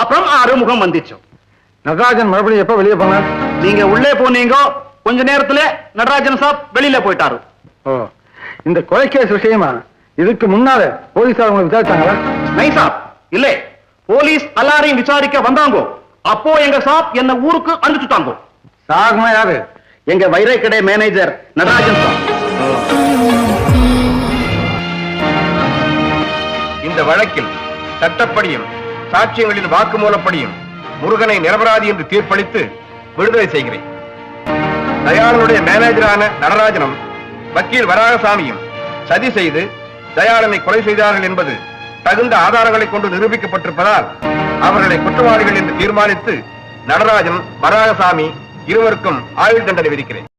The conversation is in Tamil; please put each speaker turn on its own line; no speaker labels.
அப்புறம் ஆறுமுகம் வந்துச்சு.
நடராஜன் மறுபடியும் எப்ப வெளியே போனார்?
நீங்க உள்ளே போனீங்க, கொஞ்ச நேரத்துல நடராஜன் சாப் வெளியில போயிட்டாரு.
ஓ, இந்த கொலைகேஸ் விஷயமா இதுக்கு முன்னால போலீசார் உங்களை விசாரிச்சாங்களா?
நை சாப், இல்ல. போலீஸ் எல்லாரையும் விசாரிக்க வந்தாங்க. அப்போ எங்க சாப் என்ன ஊருக்கு அனுப்பிச்சுட்டாங்க.
சாகுனா யாரு?
எங்க வைரை கடை மேனேஜர் நடராஜன் சாப்.
இந்த வழக்கில் சட்டப்படியும் சாட்சியங்களின் வாக்குமூலப்படியும் முருகனை நிரபராதி என்று தீர்ப்பளித்து விடுதலை செய்கிறேன். தயாளனுடைய மேனேஜரான நடராஜனும் வக்கீல் வராகசாமியும் சதி செய்து தயாளனை கொலை செய்தார்கள் என்பது தகுந்த ஆதாரங்களை கொண்டு நிரூபிக்கப்பட்டிருப்பதால் அவர்களை குற்றவாளிகள் என்று தீர்மானித்து நடராஜன் வராகசாமி இருவருக்கும் ஆயுள் தண்டனை விதிக்கிறேன்.